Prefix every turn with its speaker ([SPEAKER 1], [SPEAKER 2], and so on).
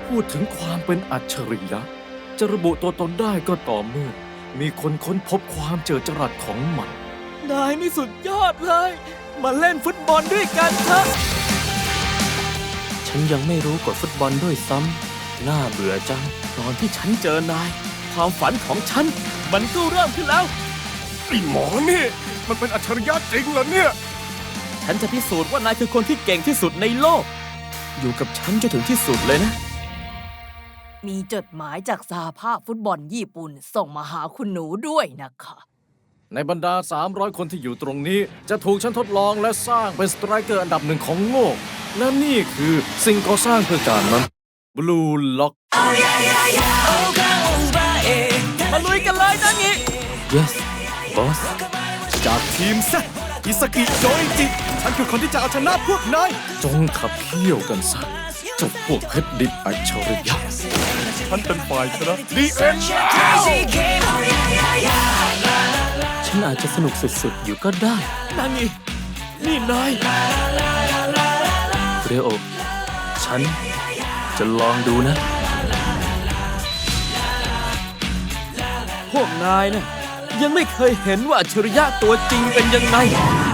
[SPEAKER 1] พูดถึงความเป็นอัจฉริยะจะระบุตัวตนได้ก็ต่อเมื่อมีคนค้นพบความเจิดจรัสของมัน
[SPEAKER 2] นายนี่สุดยอดเลย มาเล่นฟุตบอลด้วยกันเถอะ
[SPEAKER 3] ฉันยังไม่รู้กฎฟุตบอลด้วยซ้ำน่าเบื่อจัง
[SPEAKER 2] ตอนที่ฉันเจอนาย ความฝันของฉัน มันก็เริ่มขึ้นแล้ว
[SPEAKER 4] ไอ้หมอนี่ มันเป็นอัจฉริยะจริงเหรอเนี่ย
[SPEAKER 2] ฉันจะพิสูจน์ว่านายคือคนที่เก่งที่สุดในโลก อยู่กับฉันจนถึงที่สุดเลยนะ
[SPEAKER 5] มีจดหมายจากสหภาพฟุตบอลญี่ปุ่นส่งมาหาคุณหนูด้วยนะคะ
[SPEAKER 1] ในบรรดา 300 คนที่อยู่ตรงนี้ จะถูกฉันทดลองและสร้างเป็นสไตรเกอร์อันดับหนึ่งของโลก และนี่คือสิ่งก่อสร้างเพื่อการนั้น Blue Lock
[SPEAKER 2] มาลุยกันเลยนะงี้
[SPEAKER 3] yes boss
[SPEAKER 4] จากทีมแซะอิสกิโจอิจิ ฉันคือคนที่จะเอาชนะพวกนาย
[SPEAKER 1] จงขับเคี่ยวกันซะเจ้าพวกเพชรดิบอัจฉริยะ
[SPEAKER 4] ฉันเป็นฝ่ายชนะดีเอ็น
[SPEAKER 3] ฉันอาจจะสนุกสุดๆ อยู่ก็ได้
[SPEAKER 2] นางงี้นี่นาย
[SPEAKER 3] เรโอ ฉันจะลองดูนะ
[SPEAKER 2] พวกนายนะยังไม่เคยเห็นว่าอัจฉริยะตัวจริงเป็นยังไง